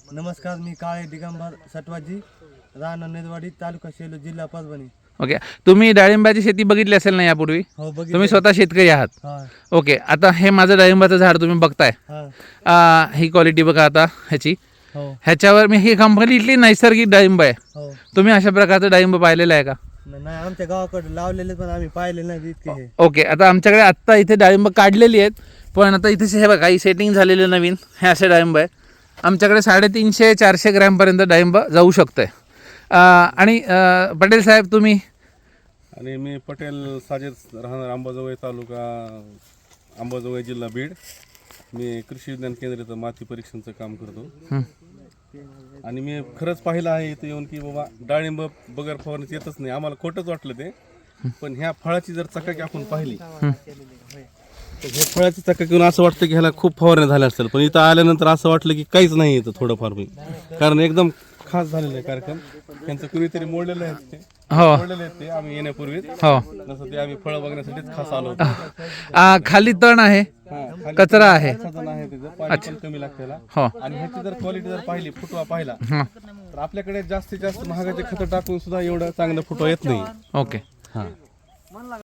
नमस्कार, मी काळे दिगंबर सटवाजी, राहणार नेदवाडी, तालुका सेलू, जिल्हा परभणी. ओके, तुम्ही डाळिंबाची शेती बघितली असेल ना यापूर्वी? हो, बघितलं. तुम्ही स्वतः शेतकरी आहात? हा. ओके, आता हे माझं डाळिंबाचं झाड तुम्ही बघताय. हा. ही क्वालिटी बघा आता ह्याची. हो. ह्याच्यावर मी ही कंप्लीटली नैसर्गिक डाळिंब आहे. हो. तुम्ही अशा प्रकारचं डाळिंब पाहिलेलं आहे का? नाही, आमच्या गावाकडे लावलेले पण आम्ही पाहिले नाही इतके हे. ओके, आता आमच्याकडे आत्ता इथे डाळिंब काढलेली आहेत, पण आता इथे हे बघा ही सेटिंग झालेले नवीन हे असे डाळिंब आहे. आमच्याकडे 350-400 ग्रॅमपर्यंत डाळिंब जाऊ शकतं आहे. आणि पटेल साहेब तुम्ही? आणि मी पटेल साजिद, राहणार अंबाजोगाई तालुका, अंबाजोगाई जिल्हा बीड. मी कृषी विज्ञान केंद्र इथं माती परीक्षणाचं काम करतो. आणि मी खरंच पाहिलं आहे इथं येऊन की बाबा डाळिंब बगर फवारणीच येतच नाही. आम्हाला खोटंच वाटलं ते, पण ह्या फळाची जर चकाकी आपण पाहिली तर हे फळाची चकाकी येऊन असं वाटतं की ह्याला खूप फवारण्या झाल्या असतील, पण इथं आल्यानंतर असं वाटलं की काहीच नाही येतं थोडंफार मी, कारण एकदम खास झालेलं आहे कार्यक्रम. त्यांचं कुणीतरी मोडलेलं आहे ते, मोडलेले आहेत ते आम्ही येण्यापूर्वी. हो, जसं ते आम्ही फळं बघण्यासाठीच खास आलो होतो. खाली तण आहे, कचरा आहे, सजन आहे त्याचं, पाणी पण कमी लागतं त्याला. हो. आणि ह्याची जर क्वालिटी जर पाहिली, फुटवा पाहिला, हां, तर आपल्याकडे जास्तीत जास्त महागाचे खतं टाकून सुद्धा एवढं चांगलं फुटवा येत नाही. ओके. हां.